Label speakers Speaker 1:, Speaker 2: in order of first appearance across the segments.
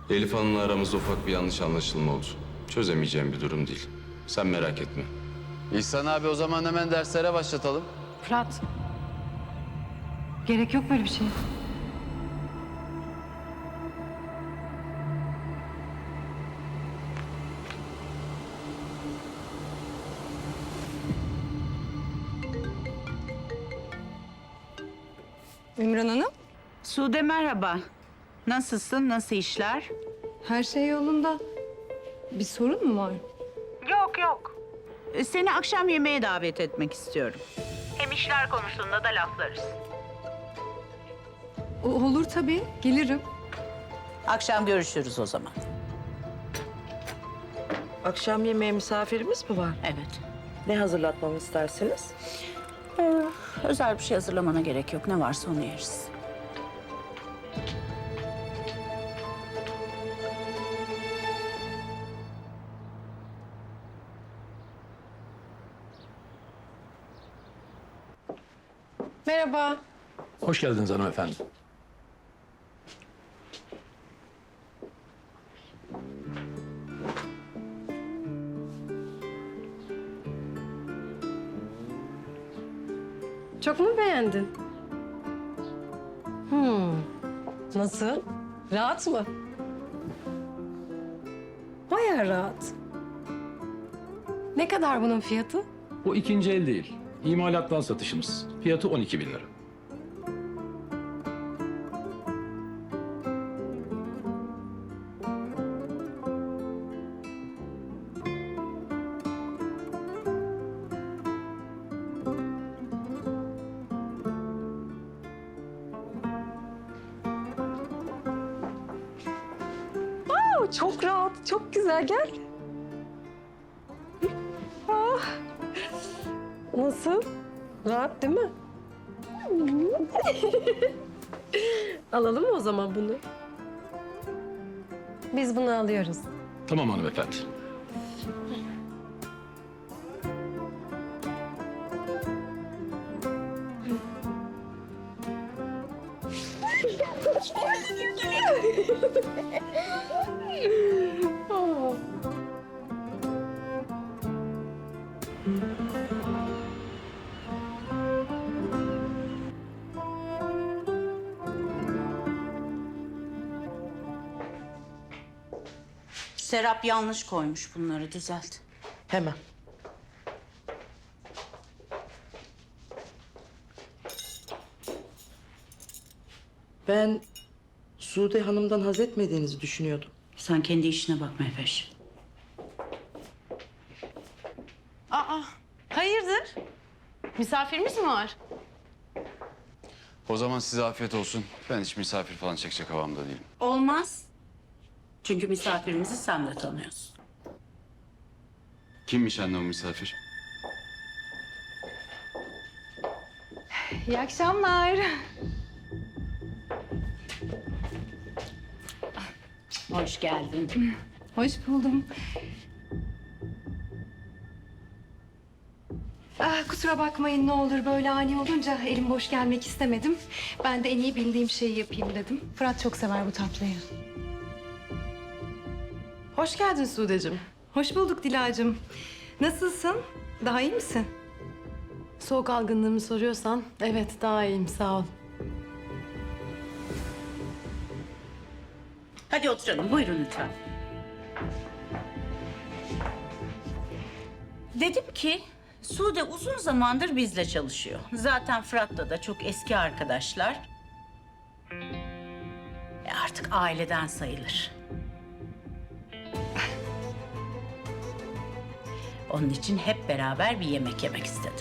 Speaker 1: Elif Hanım'la aramızda ufak bir yanlış anlaşılma oldu. Çözemeyeceğim bir durum değil. Sen merak etme.
Speaker 2: İhsan abi o zaman hemen derslere başlatalım.
Speaker 3: Fırat. Gerek yok böyle bir şey.
Speaker 4: Ümran Hanım,
Speaker 5: Sude merhaba. Nasılsın? Nasıl işler?
Speaker 4: her şey yolunda. Bir sorun mu var?
Speaker 5: Yok. Seni akşam yemeğe davet etmek istiyorum. Hem işler konusunda da laflarız.
Speaker 4: Olur tabii, gelirim.
Speaker 5: Akşam görüşürüz o zaman.
Speaker 6: Akşam yemeğe misafirimiz mi var?
Speaker 5: Evet.
Speaker 6: Ne hazırlatmamı istersiniz?
Speaker 5: Özel bir şey hazırlamana gerek yok. Ne varsa onu yeriz.
Speaker 4: Merhaba.
Speaker 7: Hoş geldiniz hanımefendi.
Speaker 4: Çok mu beğendin? Nasıl? Rahat mı? Bayağı rahat. Ne kadar bunun fiyatı?
Speaker 7: Bu ikinci el değil. İmalattan satışımız. Fiyatı 12.000 lira.
Speaker 4: Çok rahat, çok güzel. Gel. Ah. Nasıl? Rahat değil mi? Alalım mı o zaman bunu? Biz bunu alıyoruz.
Speaker 7: Tamam hanımefendi.
Speaker 5: Serap yanlış koymuş bunları. Düzelt.
Speaker 6: Hemen. Ben Sude Hanım'dan haz etmediğinizi düşünüyordum.
Speaker 5: Sen kendi işine bak Mehveş.
Speaker 3: Aa, hayırdır? Misafirimiz mi var?
Speaker 2: O zaman size afiyet olsun. Ben hiç misafir falan çekecek havamda değilim.
Speaker 5: Olmaz. Çünkü misafirimizi sen de tanıyorsun.
Speaker 2: Kimmiş anne o misafir?
Speaker 4: İyi akşamlar.
Speaker 5: Hoş geldin.
Speaker 4: Hoş buldum. Kusura bakmayın ne olur böyle ani olunca elim boş gelmek istemedim. Ben de en iyi bildiğim şeyi yapayım dedim. Fırat çok sever bu tatlıyı. Hoş geldin Sude'cim. Hoş bulduk Dilacığım. Nasılsın? Daha iyi misin?
Speaker 3: Soğuk algınlığımı soruyorsan, evet daha iyiyim sağ ol.
Speaker 5: Hadi oturalım. Buyurun lütfen. Dedim ki Sude uzun zamandır bizle çalışıyor. Zaten Fırat'la da çok eski arkadaşlar. Artık aileden sayılır. Onun için hep beraber bir yemek yemek istedim.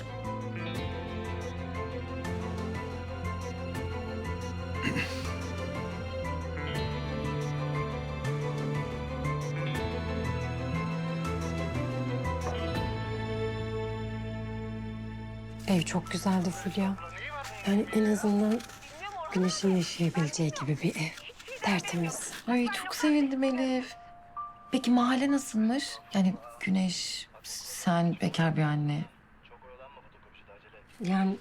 Speaker 3: Ev çok güzeldi Fulya. Yani en azından güneşin yaşayabileceği gibi bir ev. Tertemiz.
Speaker 8: Ay çok sevindim Elif. Peki mahalle nasılmış? Yani Güneş, sen bekar bir anne.
Speaker 3: Yani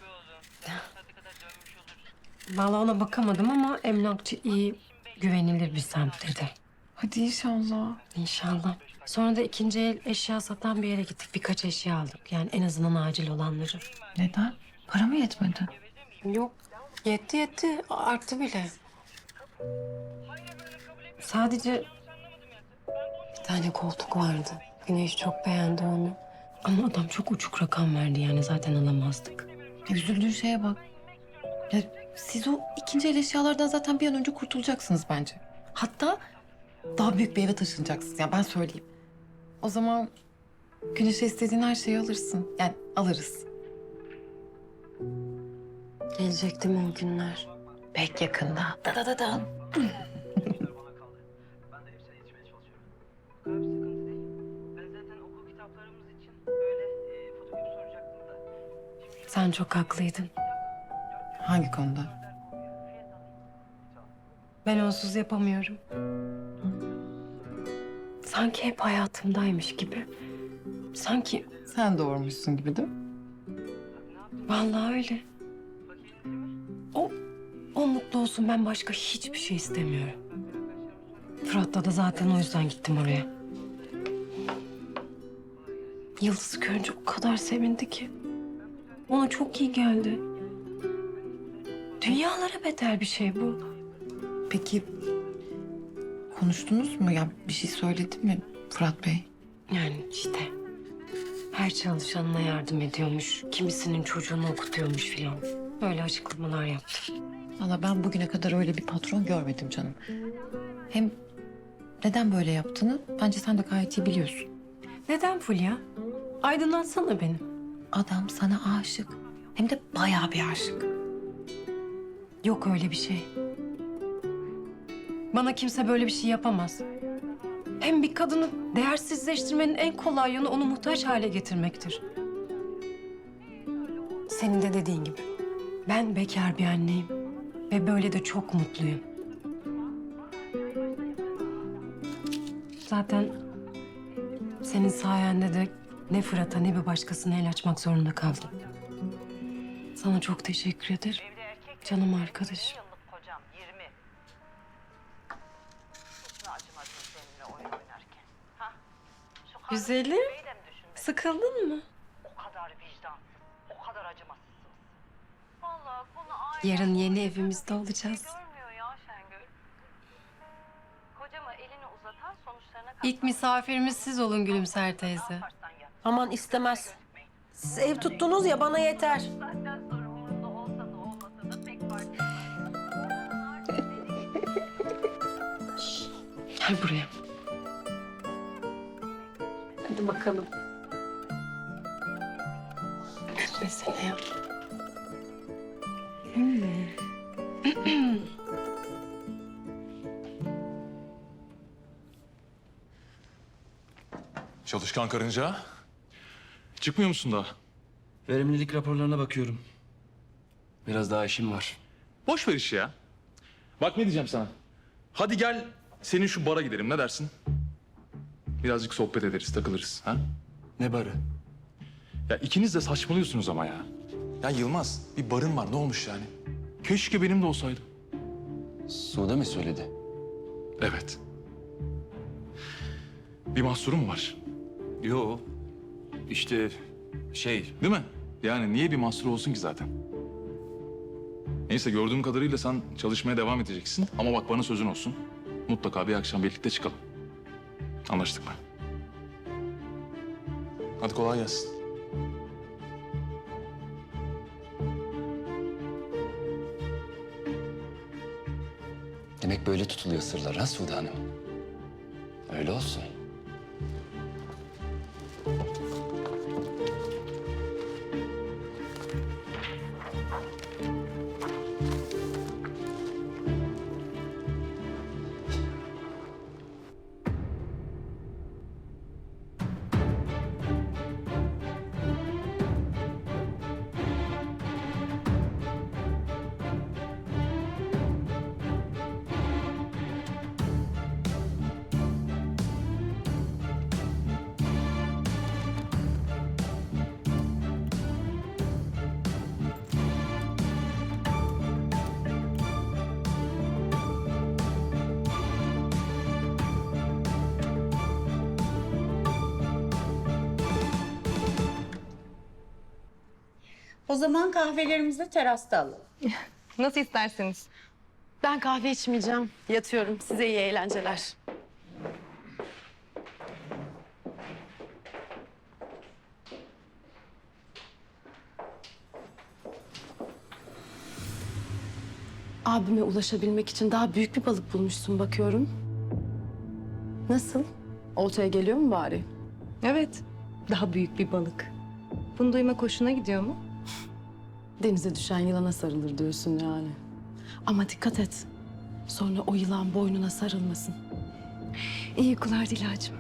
Speaker 3: vallahi ona bakamadım ama emlakçı iyi, güvenilir bir semt dedi.
Speaker 8: Hadi inşallah.
Speaker 3: İnşallah. Sonra da ikinci el eşya satan bir yere gittik. Birkaç eşya aldık. Yani en azından acil olanları.
Speaker 8: Neden? Para mı yetmedi?
Speaker 3: Yok. Yetti. Arttı bile. Sadece bir tane koltuk vardı. Güneş çok beğendi onu. Ama adam çok uçuk rakam verdi yani zaten alamazdık.
Speaker 8: Üzüldüğün şeye bak. Ya siz o ikinci el eşyalardan zaten bir an önce kurtulacaksınız bence. Hatta daha büyük bir eve taşınacaksınız. Yani ben söyleyeyim. O zaman Güneş'e istediğin her şeyi alırsın. Yani alırız.
Speaker 3: Gelecek değil mi o günler?
Speaker 8: Pek yakında. Da.
Speaker 3: Sen çok haklıydın.
Speaker 8: Hangi konuda?
Speaker 3: Ben onsuz yapamıyorum. Sanki hep hayatımdaymış gibi. Sanki
Speaker 8: Sen doğurmuşsun gibi değil mi?
Speaker 3: vallahi öyle. O mutlu olsun, ben başka hiçbir şey istemiyorum. Fırat'la da zaten o yüzden gittim oraya. Yıldız'ı görünce o kadar sevindi ki. Ona çok iyi geldi. Dünyalara bedel bir şey bu.
Speaker 8: Peki konuştunuz mu? Ya bir şey söyledi mi Fırat Bey?
Speaker 3: Yani işte her çalışanına yardım ediyormuş. Kimisinin çocuğunu okutuyormuş filan. Böyle açıklamalar yaptı.
Speaker 8: Valla ben bugüne kadar öyle bir patron görmedim canım. Hem neden böyle yaptığını bence sen de gayet iyi biliyorsun.
Speaker 3: Neden Fulya? Aydınlatsana beni.
Speaker 8: Adam sana aşık. Hem de bayağı bir aşık.
Speaker 3: Yok öyle bir şey. Bana kimse böyle bir şey yapamaz. Hem bir kadını değersizleştirmenin en kolay yolu onu muhtaç hale getirmektir. Senin de dediğin gibi. Ben bekar bir anneyim. Ve böyle de çok mutluyum. Zaten senin sayende de ne Fırat'a ne bir başkasına el açmak zorunda kaldım. Sana çok teşekkür ederim. Canım arkadaşım.
Speaker 5: Kocam 20. Hiç mi acımadın seninle oyun oynarken? Ha? Şu kardeşini
Speaker 3: Güzelim.
Speaker 5: de mi düşünmedin?
Speaker 3: Sıkıldın mı?
Speaker 5: O kadar vicdansız, o kadar acımasızsınız. Vallahi konu aile...
Speaker 3: Yarın yeni evimizde olacağız.
Speaker 5: Görmüyor ya Şengül. Kocama elini uzatan sonuçlarına
Speaker 3: İlk misafirimiz siz olun Gülümser teyze.
Speaker 5: katlarsan yap.
Speaker 9: Aman istemez. Siz ev tuttunuz ya, bana yeter.
Speaker 5: Saatten sonra umurunda olsa da olmasa da pek fark etmez.
Speaker 3: Gel buraya. Hadi bakalım. Gülmesene ya. Gülme.
Speaker 10: Çalışkan karınca. Çıkmıyor musun daha?
Speaker 11: Verimlilik raporlarına bakıyorum. Biraz daha işim var.
Speaker 10: Boş ver işi ya. Bak ne diyeceğim sana. Hadi gel senin şu bara gidelim, ne dersin? Birazcık sohbet ederiz, takılırız. Ha?
Speaker 11: Ne barı?
Speaker 10: Ya ikiniz de saçmalıyorsunuz ama ya. Ya Yılmaz, bir barın var, ne olmuş yani? Keşke benim de olsaydı.
Speaker 11: Sude mi söyledi?
Speaker 10: Evet. Bir mahsuru mu var?
Speaker 11: Yo. İşte
Speaker 10: Değil mi? Yani niye bir mahsuru olsun ki zaten? Neyse, gördüğüm kadarıyla sen çalışmaya devam edeceksin. Ama bak, bana sözün olsun. Mutlaka bir akşam birlikte çıkalım. Anlaştık mı? Hadi kolay gelsin.
Speaker 11: demek böyle tutuluyor sırlar ha Sude Hanım? Öyle olsun.
Speaker 5: zaman kahvelerimizi de terasta alalım.
Speaker 4: Nasıl isterseniz.
Speaker 8: Ben kahve içmeyeceğim. Yatıyorum. Size iyi eğlenceler. Abime ulaşabilmek için daha büyük bir balık bulmuşsun bakıyorum. Nasıl? Oltaya geliyor mu bari?
Speaker 4: Evet, daha büyük bir balık. Bunu duymak hoşuna gidiyor mu?
Speaker 8: Denize düşen yılana sarılır diyorsun yani. Ama dikkat et. Sonra o yılan boynuna sarılmasın.
Speaker 4: İyi uykular Dilacığım.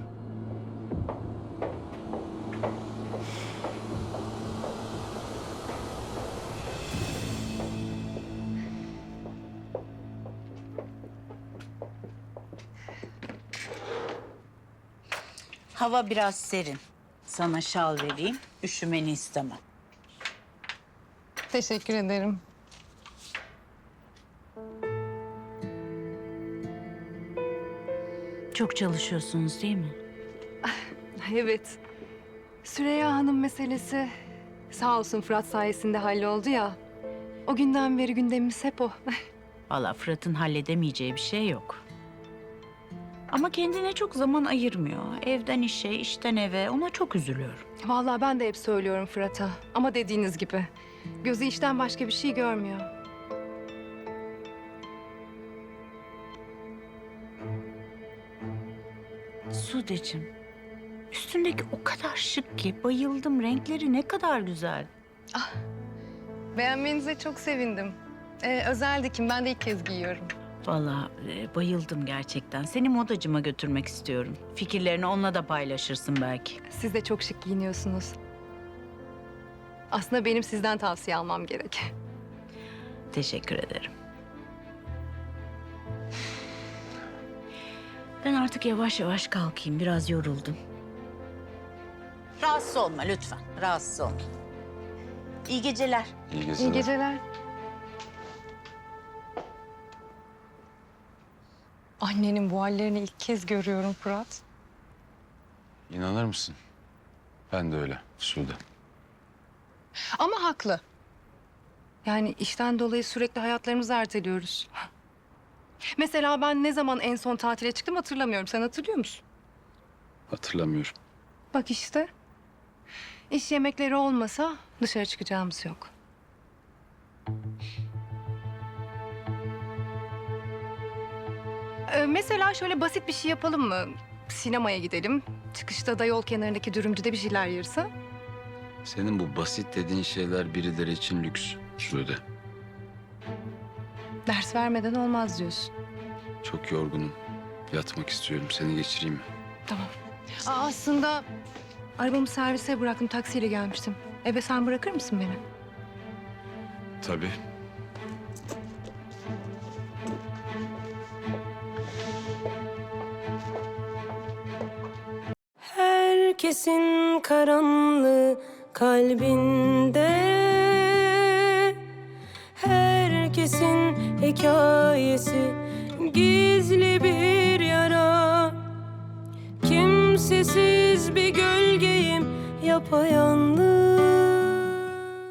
Speaker 5: Hava biraz serin. Sana şal vereyim. Üşümeni istemem.
Speaker 4: Teşekkür ederim.
Speaker 5: Çok çalışıyorsunuz değil mi?
Speaker 4: Evet. Süreyya Hanım meselesi sağ olsun Fırat sayesinde halloldu ya. O günden beri gündemimiz hep o.
Speaker 5: Vallahi Fırat'ın halledemeyeceği bir şey yok. Ama kendine çok zaman ayırmıyor. Evden işe, işten eve. Ona çok üzülüyorum.
Speaker 4: Vallahi ben de hep söylüyorum Fırat'a. Ama dediğiniz gibi gözü işten başka bir şey görmüyor.
Speaker 5: Sudeciğim, üstündeki o kadar şık ki bayıldım. Renkleri ne kadar güzel.
Speaker 4: Beğenmenize çok sevindim. Özel dikim. Ben de ilk kez giyiyorum.
Speaker 5: Vallahi bayıldım gerçekten. Seni modacıma götürmek istiyorum. Fikirlerini onunla da paylaşırsın belki.
Speaker 4: Siz de çok şık giyiniyorsunuz. Aslında benim sizden tavsiye almam gerek.
Speaker 5: Teşekkür ederim. Ben artık yavaş yavaş kalkayım. Biraz yoruldum. Rahatsız olma lütfen. Rahatsız olma. İyi geceler.
Speaker 2: İyi geceler.
Speaker 4: İyi geceler. Annenin bu hallerini ilk kez görüyorum Fırat.
Speaker 2: İnanır mısın? Ben de öyle Sude.
Speaker 4: Ama haklı. Yani işten dolayı sürekli hayatlarımızı erteliyoruz. Mesela ben ne zaman en son tatile çıktım hatırlamıyorum. Sen hatırlıyor musun?
Speaker 2: Hatırlamıyorum.
Speaker 4: Bak işte. İş yemekleri olmasa dışarı çıkacağımız yok. Mesela şöyle basit bir şey yapalım mı? Sinemaya gidelim. Çıkışta da yol kenarındaki dürümcüde bir şeyler yeriz ha?
Speaker 2: Senin bu basit dediğin şeyler birileri için lüks Sude.
Speaker 4: Ders vermeden olmaz diyorsun.
Speaker 2: Çok yorgunum. Yatmak istiyorum. Seni geçireyim mi?
Speaker 4: Tamam. Aslında arabamı servise bıraktım. Taksiyle gelmiştim. Eve sen bırakır mısın beni?
Speaker 2: Tabii.
Speaker 9: Herkesin karanlığı kalbinde, herkesin hikayesi gizli bir yara. Kimsesiz bir gölgeyim yapayalnız.